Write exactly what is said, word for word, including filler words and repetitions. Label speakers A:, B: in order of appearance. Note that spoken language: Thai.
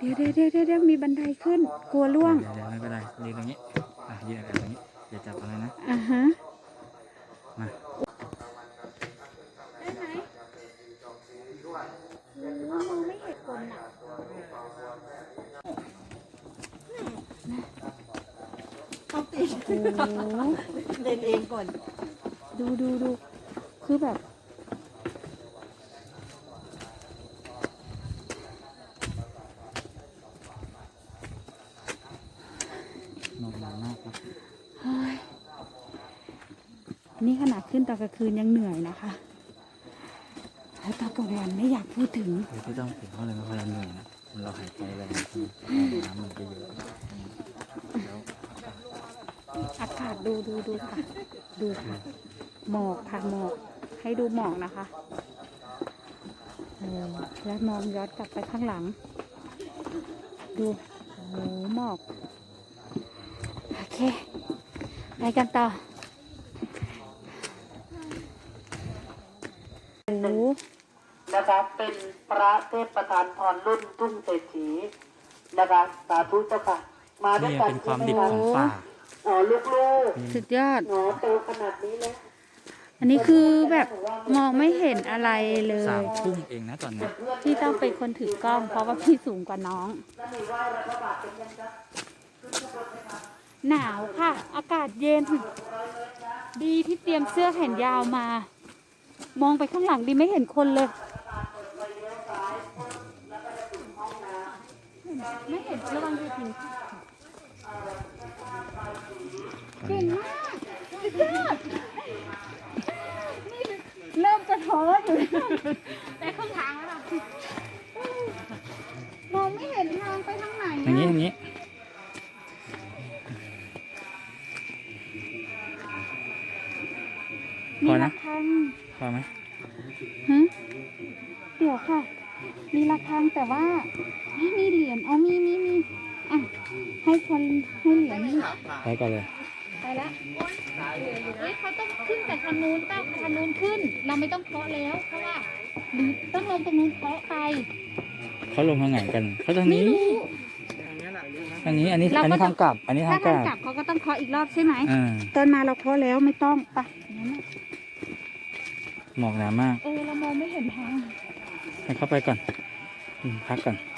A: เดี๋ยวเดี๋ยวเดี๋ยวเดี๋ยวมีบันไดขึ้นกลัวล่วง
B: เดี๋ยวเดี๋ยวไม่เป็นไรยืนตรงนี้อ่ะยืนอะไรตรงนี้อย่าจับอะไรนะ
A: อ่าฮะ
B: มา
A: ได้ไหมโอ้มองไม่เห็นคนอ่ะ
C: ต้องติด
A: โอ้
C: เดินเองก่อน
A: ดูดูดูคือแบบ
B: หนอนมากครับ
A: นี่ขนาดขึ้นตอนกลางคืนยังเหนื่อยนะคะแล้วตอนกลางวันไม่อยากพูดถึง
B: เดี๋ยวที่ต้องถึงเขาเลยไม่ค่อยเหนื่อยนะมันเราหายใจแรงน้ำมันจะเยอะแล้ว
A: อากาศดูดูดูค่ะดูค่ะหมอกค่ะหมอกให้ดูหมอกนะคะเออแล้วมองย้อนกลับไปข้างหลังดูโอ้โหหมอกโอเคไปกันต่อโอ้โห
C: นะคะเป็นพระเทพประธานพรรุ่นทุ่งเศรษฐีนะคะสาธุเจ้าค่ะมาด้วย
B: นี่
C: กัน
B: เป็นความดิบของป่า
C: อ๋อลูก
A: สุดยอด
C: ๆหนอโตขนาดนี้แล้ว
A: อันนี้คือแบบมองไม่เห็นอะไรเล
B: สาย มทุ่มเองนะตอนนี้
A: พี่ต้องเป็นคนถือกล้องเพราะว่าพี่สูงกว่าน้อง หนาวค่ะ อากาศเย็น ดีที่เตรียมเสื้อแขนยาวมา มองไปข้างหลังดีไม่เห็นคนเลย ไม่เห็นระวังจะถึงเก่งมากสุดยอดนี่เริ่มจะท้ออยู่แต่ครึ่งทางแล้วล่ะมองไม่เห็นทางไปทางไหน
B: อย่างนี้อย่างนี้พอนะ
A: มีระฆัง
B: พอไหม
A: ฮะเดี๋ยวค่ะ มีระฆังแต่ว่าไม่มีเหรียญเอามีมีมีอ่ะให้คนให้เหรียญนี่
B: ไปก่อนเลย
A: ไปละเฮ้ยเขาต้องขึ้นแต่คันนู้นเต้าคันนู้นขึ้น เราไม่ต้องเคาะแล้ว เพราะว่าหรือต้องลงตรงนู้นเคาะไป
B: เขาลงทางไหนกันเขาทาง
A: ไม่
B: นี้
A: รู้
B: ทางนี้อันนี้
A: เราก็
B: อันนี้ทางกลับ อันนี้
A: ถ้า
B: ทางก
A: ทาง
B: ลับ
A: กลับเขาก็ต้องเคาะอีกรอบใช่ไหม
B: อ่า
A: ตอนมาเราเคาะแล้วไม่ต้องไปงั้นน่ะ
B: หมอกหนามาก
A: เออเรามองไม่เห็นทาง
B: ให้เข้าไปก่อนอืมพักก่อน